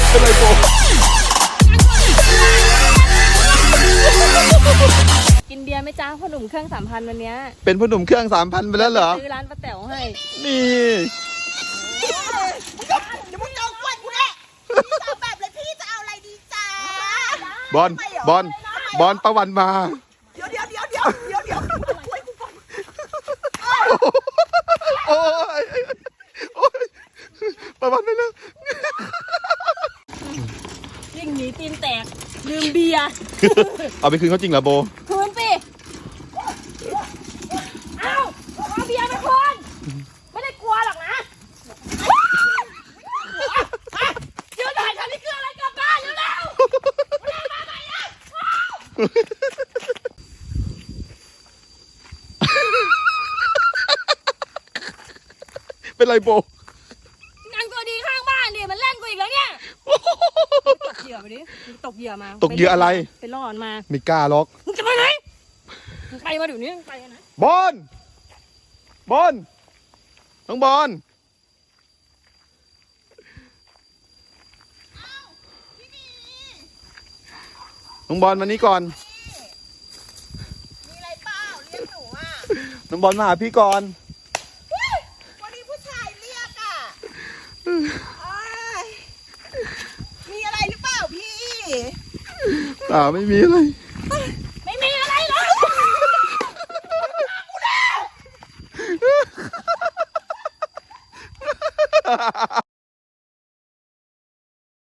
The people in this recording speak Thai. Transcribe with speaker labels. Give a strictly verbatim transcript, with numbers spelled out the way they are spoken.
Speaker 1: เป็นไรโบ
Speaker 2: กินเบียร์ไหมจ้าพ่อหนุ่มเครื่องสามพันวันนี้
Speaker 1: เป็นพ่อหนุ่มเครื่องสามพันไปแล้วเหรอ
Speaker 2: ซื้อร้านป้าแต๋วให้
Speaker 1: นี่
Speaker 3: เดี๋ยวมึงเอากล้วยกูแน่พี่จะเอาแบบเลยพี่จะเอาอะไรดีจ้า
Speaker 1: บอลบอลบอลประวันมา
Speaker 3: เดี๋ยวเดี๋ยวเดี๋ยวเดี๋ยวเดี๋ยวเดี๋ยวกล้วยกูก่อน
Speaker 1: โอ้ยโอ้ยประวันไปแล้ว
Speaker 2: ยิ่งหนีตีนแตกลืมเบียร์
Speaker 1: เอาไปคืนเขาจริงเหรอโบ
Speaker 2: คืนสิเอาเอาเบียร์ไปคืนไม่ได้กลัวหรอกนะยืนถ่ายคันนี้คืออะไรกลับบ้านเร็วๆไม่ได้มาใหม่นะ
Speaker 1: เป็นไรโบ
Speaker 2: นางตัวดีข้างบ้านดิมันเล่นกูอีกแล้วเนี่ยตกเหยื่อไปดิตกเหยื่อมา
Speaker 1: ตกเหยื่ออะไร
Speaker 2: ไปล่อมันมา
Speaker 1: ไม่กล้าล็อก
Speaker 2: มึงจะไปไหนมึงไปมาเดี๋ยวนี้ไปนะ
Speaker 1: บอลบอลน้องบอลน้องบอลมานี่ก่อน
Speaker 3: มีอะไรเปล่าเรียกหนูอ่ะ
Speaker 1: น้องบอลมาหาพี่ก่อน
Speaker 3: วันนี้ผู้ชายเรียกอ่ะมีอะไรหรือเปล่าพี่
Speaker 1: อ่าไม่มีอะไร